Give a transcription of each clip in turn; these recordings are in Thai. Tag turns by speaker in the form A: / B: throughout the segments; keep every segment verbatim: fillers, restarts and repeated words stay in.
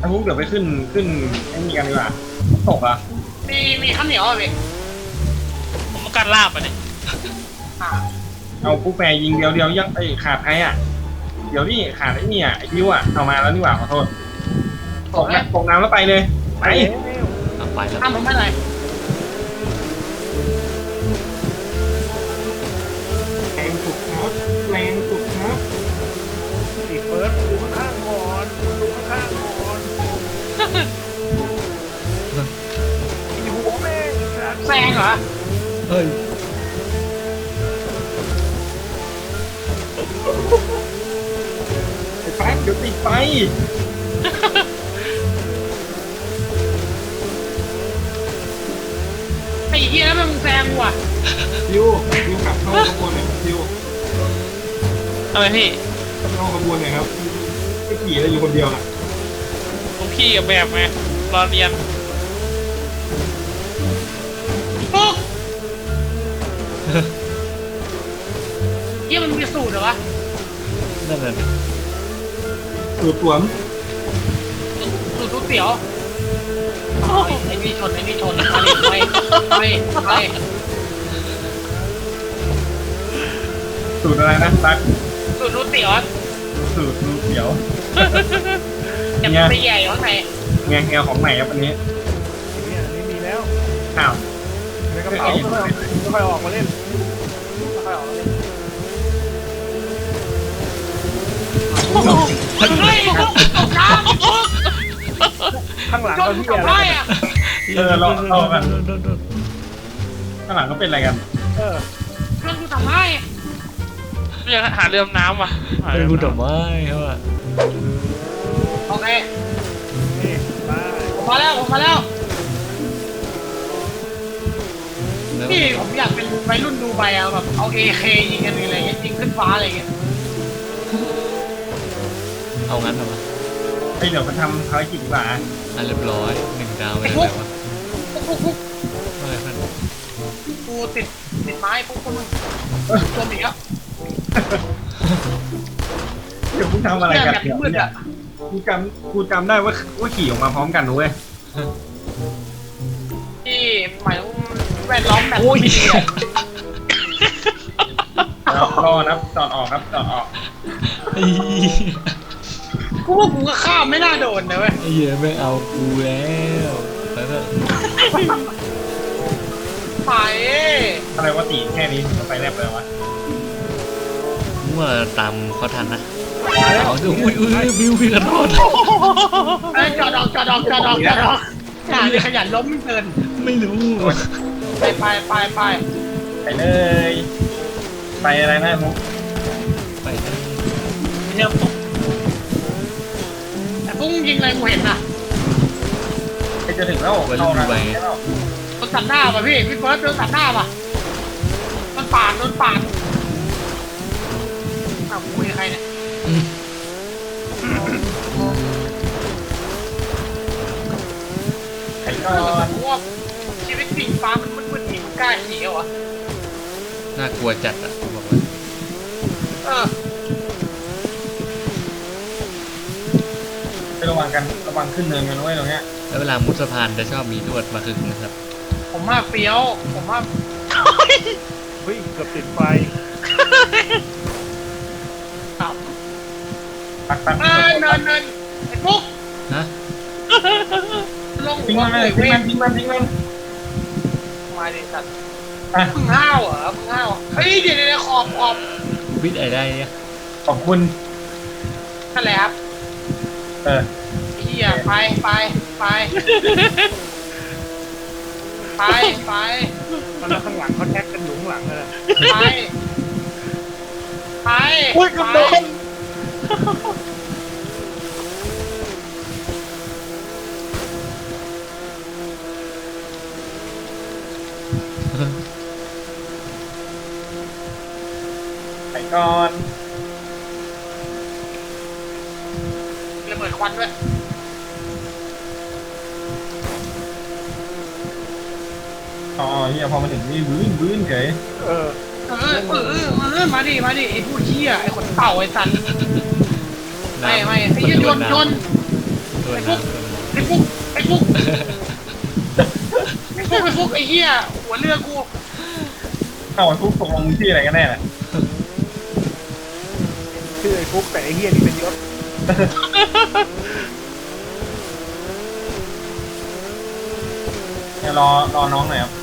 A: ถ้ามุกเดี๋ยวไปขึ้นขึ้นไอ้นี่กันดีกว่าตกอ่ะ
B: มีมีข้าวเหนียวอ่ะพี่
C: ผมมาการลาบอ่ะเนี่ย
A: เอาปุ๊บแปรยิงเดียวเดียวยังไอ้ขาดใครอ่ะเดี๋ยวนี่ขาดไอ้นี่อ่ะไอ้บิวอ่ะเอามาแล้วนี่หว่าขอโทษตกนะตกน้ำแล้วไปเลยไป
C: เอาไปแล้ว
B: ทำผมไม่ไร
A: แรงสุดครับแรงสุดครับ
D: อีเฟิร์สดูข้างก่อนดูข้างก่อนอีหัวแม่ง
B: แซงเหรอ
C: เฮ้ย
A: ไอ้แป๊กเดี๋ยวติดไป
B: ไอ้เหี้ยแล้วมึงแซงว่ะ
A: บิวบิวขับเข้าขบวนหน่อยบิว
C: ทำไมพี่
A: เข้าขบวนหน่อยครับไม่ขี่เลยอยู่คนเดียวน่ะ
C: ผมขี่กับแบบไงรอเรียน
B: ปุ๊บเหี้ยมันมีสูตรเหรอวะ
C: นั่นเลย
A: สูตรสวม
B: สูตรก๋วยเตี๋ยวไอ้นี่ชนไอ้นี่ชนไปไปไป
A: สูตรอะไรนะตั๊ก
B: สูตรก๋วยเตี๋ยว
A: สูตรก๋วยเตี๋ยว
B: จะไปใหญ่ข้างใน
A: เงี้ยเงี้ยของใหม่ครับอันนี้
D: นี่อันนี้มีแล้ว
A: อ้าว
D: ในกระเป๋าไม่ค่อยออกมาเล่นไม่ค่อยออกมาเล่น
B: เฮ้ยตกน้ำ
D: ข้างหลังก็พี่อะไร
B: อ่ะ
A: เออเราเรากันข้างหลังก็เป็นอะไรกัน
D: เออ
B: เพื่อนกูทำไม
C: ยังหาเรือน้ำว่ะเรือกูดอกไม้เขาอะ
B: โอเค
D: นี่มา
B: ผมมาแล้วผมมาแล้วพี่ผมอยากเป็นวัยรุ่นดูใบอะแบบเอาเอเคยิงกันอะไรเงี้ยยิงขึ้นฟ้าอะไรเงี้ย
C: เอางั้นเหรอวะ
A: ไอเดี๋ยวไปทำภารกิจดีกว่า
C: อ่ะเรียบร้อยหนึ่งดาวไปเลยวะอะไรพัน
B: กูติดติดไม้พวกคนมึงตัวหนีอ่ะ
A: เดี๋ยวคุณทำอะไรกันเนี่ยกูจำกูจำได้ว่าว่าขี่ออกมาพร้อมกันด้วย
B: ที่หมายถึงแวดล้อมแบบ
C: โอ้ย
A: รอนะจอดออกครับจอดออก
B: กูว่ากูก็ข้ามไม่น่าโดนนะเว้ย
C: ไอ้เหี้ยไม่เอากูแล้วไปเถอะ
B: ไป
A: อะไรวะตีแค่นี้ไปแลบเลยวะ
C: เมื่อตามเขาทันนะเอาดูอุ้ยอุ้ยบิวพี่กันโดน
B: จอดออกจอดออกจอดออกจอดออกอย่าเลยขยันล้มเกิน
C: ไม่รู้
B: ไปไปไปไป
A: ไปเลยไปอะไรนะมุก
C: ไปเลย
B: เนี่ยแต่พุ่งยิงอะไรกูเห็นนะ
A: ไปจะถึงแล้วเข้านะ
B: โดนตัดหน้าป่ะพี่พี่เฟิร์สโดนตัดหน้าป่ะโดนปาดโดนปาดอ้าวคุยใครเนี่ย
A: ไอ้ก็
B: พวกชีวิตสีฟ้ามันมึนๆหนีมันกล้าหนีเหรอ
C: น่ากลัวจัดอ่ะบอกเลย
B: เออ
A: ไประวังกันระวังขึ้นเนินกันไว้ตรงเนี้ย
C: แล้วเวลามุดสะพานจะชอบมีลวดมาขึงนะครับ
B: ผมมากเฟี้ยวผมมาก
D: เฮ้ยเกือบติดไฟ
B: ครับ
A: ปักปัก
B: เนินเนินเนินไอ้ปุ๊ก
C: ฮะ
B: ลง
A: ทิ้งมันเลยทิ้งมันทิ้งมันทิ้งมัน
B: มาดิสัตว์มึงห้าวเหรอมึงห้าวเฮ้ยเดี๋ยวเดี๋ยวขอบขอบ
C: วิทย์อะไรเนี่ย
A: ขอบคุณ
B: นั่นแหละครับ
A: เออ
B: เฮียไปไปไปไปไป
D: มันข้างหลังเขาแท็กกันอยู่ข้างหลังเลย
B: ไปไป
A: อุ้ยกระโดดไปก่อน
B: ระเบิดควันด้วย
A: อ๋อเฮียพอมาถึงนี่บื้นบื้นเฉย
B: เออเออเออเออมาดิมาดิไอ้ผู้เชี่ยไอ้ขนเต่าไอ้สันไม่ไม่ไอ้ยนยน
C: ตัว
B: ไอ้ฟุก
C: น้ำตัวน้
B: ไอ้ฟุกไอ้ฟุกไอ้ฟุกไอ้ฟุกไอ้เหี้ยหัวเรือกู
A: เอาไอ้ฟุกตกลงมึงที่อะไรกันแน่น่ะ
D: ชื่อไอ้ฟุกแต่ไอ้เฮียนี่เป็นยศ
A: เดี๋ยวรอรอน้องหน่อยครับ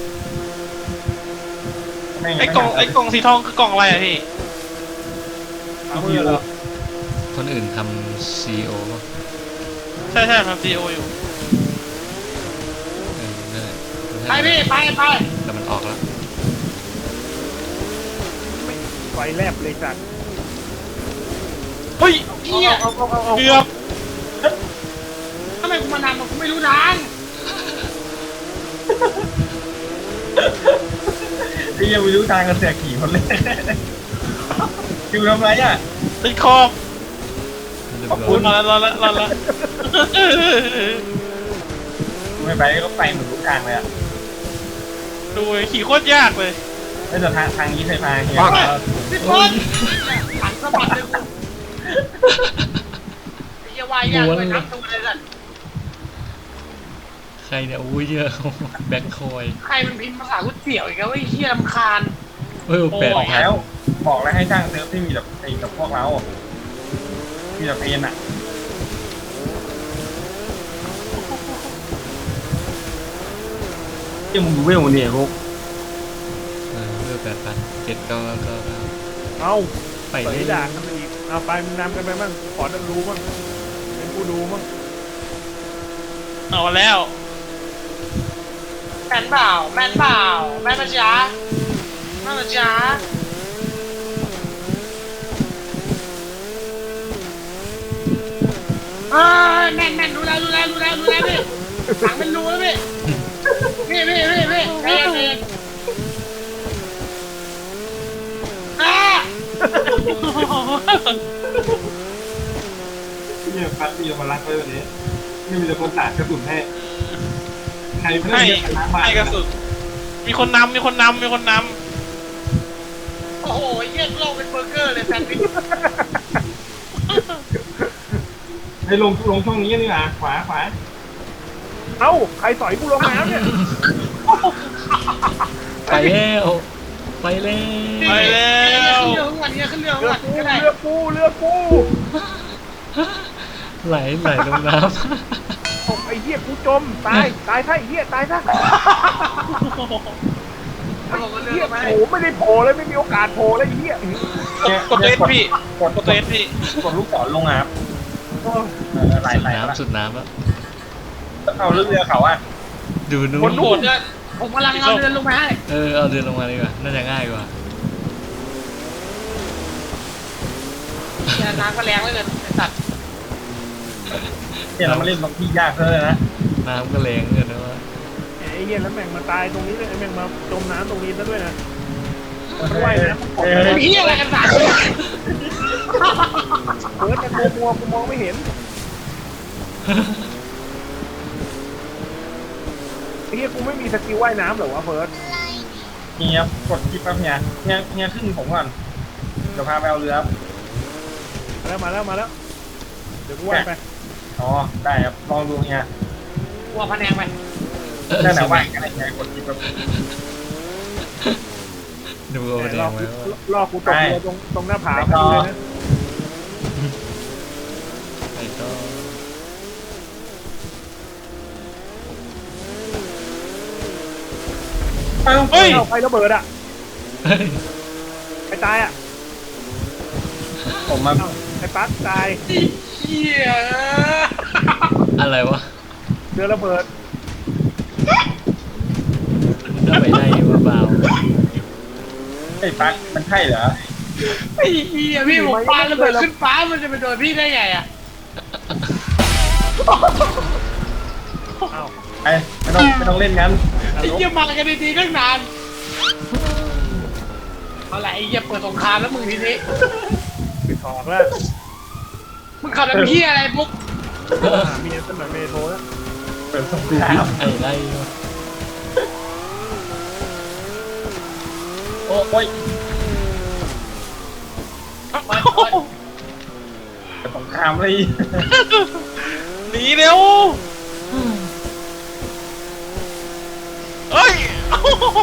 A: ม่
E: ไอ้กล่องไอ้กล่องสีทองคือกล่องอะไรอะพี่
D: เอามือเหรอ
C: ำคนอื่นทำซีโอ
E: ใช่ใช่ทำซีโออยู่
C: เออนั่นแหละ
B: ไปพี่ไปไป
C: แต่มันออกแล้ว
D: ไฟแลบเลยจัด
E: เฮ้ย
B: เหี้ย
D: เอาเอาเอาเอา
E: เกือบ
B: ทำไมกูมานานมากูไม่รู้ทาง
A: ไอ้ยังไม่รู้ทางกันเสียขี่คนเลยคิวทำไรอ่ะ
E: ติดขอบ
C: เรียบ
A: ขอบ
C: ร้
A: คุ
C: อ
A: ณ
C: ย
E: รอแล้วรอแล้วรอแล้ว
A: ไม่ไปก็ไปเหมือนทุกทางเลยอ่ะ
E: ดูขี่โคตรยากเลย
A: ไม่แต่ทางทางนี้เคยพาเฮีย
B: พี่พลหันสะบัดเลยกูไอ้เหี้ยวายยากเลยทั้งตัวเลยสัตว์
C: ใครเนี่ยอุ้ยเยอะ แบ็คคอย
B: ใครมันพิมพ์ภาษาก๋วยเตี๋ยวอีกแล้วไอ้เหี้ยรำคาญ
C: เฮ้ยแปด
A: บอก
C: พัน
A: แล้ว บอกแล้วให้จ้างเซิร์ฟที่มีแบบไอ้กับพวกเรามีแบบเพนอ่ะเจ้ามึงดูเวลมันเนี่ยพวก
C: เออเพื่อแปดพันเจ็ดเก้าเก้าเก้า
D: เอา
C: ไป
D: ไป
C: เลย
D: ด่ากันไปอีกเอาไปมึงนำกันไปบ้างขอดันรู้บ้างเป็นผู้ดูบ้าง
E: เอาแล้ว
B: แม่นเปล่าแม่นเปล่าแม่นมาจ้าแม่นมาจ้าเอ้ยแม่นแม่นรู้แล้วรู้แล้วรู้แล้วรู้แล้วพี่ถังเป็นรูแล้วพี่พี่พี่พี่พี่ใจเย็นใจเย็นอ่า
A: เนี่ยพัดมีมารักไว้วันนี้ไม่มีแต่คนสาดกระสุนให้ใครไม่
E: ให้
A: ได้ชนะบ้า
E: ให้กระสุนมีคนนำมีคนนำมีคนน
B: โอ้โหเยี่ยโลกเป็นเบอร์เกอร์เลยแซนด์วิช
A: ให้ลงลงช่องนี้นี่นะขวาขวา
D: เอ้าใครสอยกูลงน้ำเนี่ย
C: ไปแล้วไปแล้
E: ำไป
C: ว
E: แล้ว
B: ขึ้นเรือของวันนี้ขึ้นเรือของ
D: เรือ
B: วัน
D: กู
B: ก็ได้
D: เรือกูเรือกู
C: ไหลไหลลงน้
D: ตกไอ้เหี้ยกูจมตายตายซะไอ้เหี้ยตายซะ
B: เขาบอกว่าเรือ
D: เหี้ย
B: ไป
D: โผล่ไม่ได้โผล่เลยไม่มีโอกาสโผล่เลยไอ้เหี้ย
A: เนี่ย
E: กดตัวเอสพี่
A: กด
E: กดตัวเอสพี่
A: กดลูกศรลงอ่ะครับเออไหล
C: ำสุด
A: ไหลแล้ว
C: น้ำสุดน้ำแล้ว
A: เอาเรือเรือเขาอ่ะ
C: ดูนู้
B: คน
C: น
B: โดดเนี่ยผมกำลังเอาเรือลงมาให้
C: เออเอาเดินลงมาดีกว่าน่าจะง่ายกว่า
B: เนี่ยน้ำก็แรงเลยไอ้สัตว์
A: เนี่ยเรามาเล่นบางที่ยากเลยนะ
C: น้ำก็แรงเกินนะว่า
D: ไอ้เหี้ยแล้วแม่งมาตายตรงนี้เลยไอ้แม่งมาจมน้ำตรงนี้ซะด้วยนะมันว่ายน้ำ
A: เออ
B: เป็นเหี้ยอะไรกันสัตว์
D: เปิดแต่ตัวมัวกูมองไม่เห็นไอ้เหี้ยกูไม่มีสกิลว่ายน้ำเหรอวะเฟิร์ส
A: เฮียกดคลิปแป๊บเฮียเฮียเฮียขึ้นผมก่อนเดี๋ยวพาไปเอาเรือ
D: มาแล้วมาแล้วมาแล้วเดี๋ยวกูว่ายไป
A: อ๋อได้ครับลองดูเฮีย
B: กลัวพะแนงไป
A: ได้แต่ว่ากันเฮียกดคลิปแบบ
C: ดูเอา
D: แต่
C: แด
D: รอง
C: ไว้ว่า
D: รอกูตกเรือตรงตรงหน้าผาพอดีเลยนะ
C: ไปต่อ
A: เอ้า
E: เฮ้ย
D: เอาไฟระเบิดอ่ะ
C: เฮ้ย
D: ไอ้ตายอ่ะ
A: ผมมา
D: เอ้าไอ้ปั๊กตาย
B: เหี้ย
C: อะไรวะ
D: เรือระเบิด
C: ถ้าไปได้ว่าเบา
A: ไอ้ปักมันใช่เหรอ
B: ไอ้เหี้ยพี่ผมปาระเบิดขึ้นฟ้ามันจะไปโดนพี่ได้ไงอ่ะ
D: เอ้า
A: ไอ้ไม่ต้องไม่ต้องเล่นงั้น
B: ไอ้เหี้ยมากันดีๆตั้งนานเอาละไอ้เหี้ยเปิดสงครามแล้วมึงทีนี้
D: ปิดทอกแล้ว
B: มึงขับแบบเหี้ยอะไรปุ๊บ
D: หาเมียสมัยเมโทรแล้ว
A: เปิดสงค
C: ดู
A: ราม
C: ไอ้ไล่วะ
A: โอ้ยเปิดสงครามเลย
E: หนีเร็วเฮ้ยโอ้โห